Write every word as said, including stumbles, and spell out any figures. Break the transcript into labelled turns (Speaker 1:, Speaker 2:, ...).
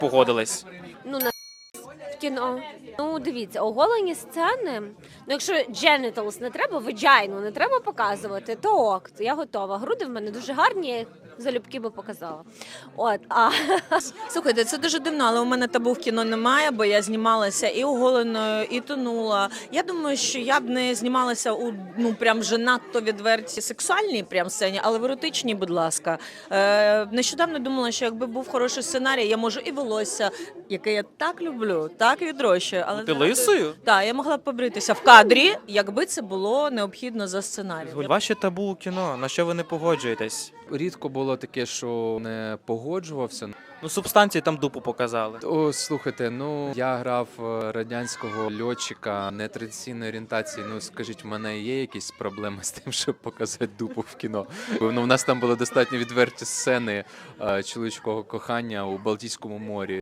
Speaker 1: погодились?
Speaker 2: Ну, на в кіно. Ну, дивіться, оголені сцени. Ну, якщо genitals не треба, vagina не треба показувати, то ок, то я готова. Груди в мене дуже гарні, я їх залюбки би показала. От, а
Speaker 3: Слухайте, це дуже дивно, але у мене табу в кіно немає, бо я знімалася і оголеною, і тонула. Я думаю, що я б не знімалася у ну прям вже надто відвертій сексуальній прям сцені, але в еротичній, будь ласка. Е, нещодавно думала, що якби був хороший сценарій, я можу і волосся, яке я так люблю, так відрощую. Але
Speaker 1: Ти лисою?
Speaker 3: так, я могла б побритися в кадрі, якби це було необхідно за сценарієм.
Speaker 1: Ваші табу у кіно, на що ви не погоджуєтесь?
Speaker 4: Рідко було таке, що не погоджувався.
Speaker 1: Ну, субстанції там дупу показали.
Speaker 4: О, слухайте, ну я грав е, радянського льотчика нетрадиційної орієнтації. Ну скажіть, в мене є якісь проблеми з тим, щоб показати дупу в кіно? Ну, у нас там були достатньо відверті сцени е, чоловічого кохання у Балтійському морі.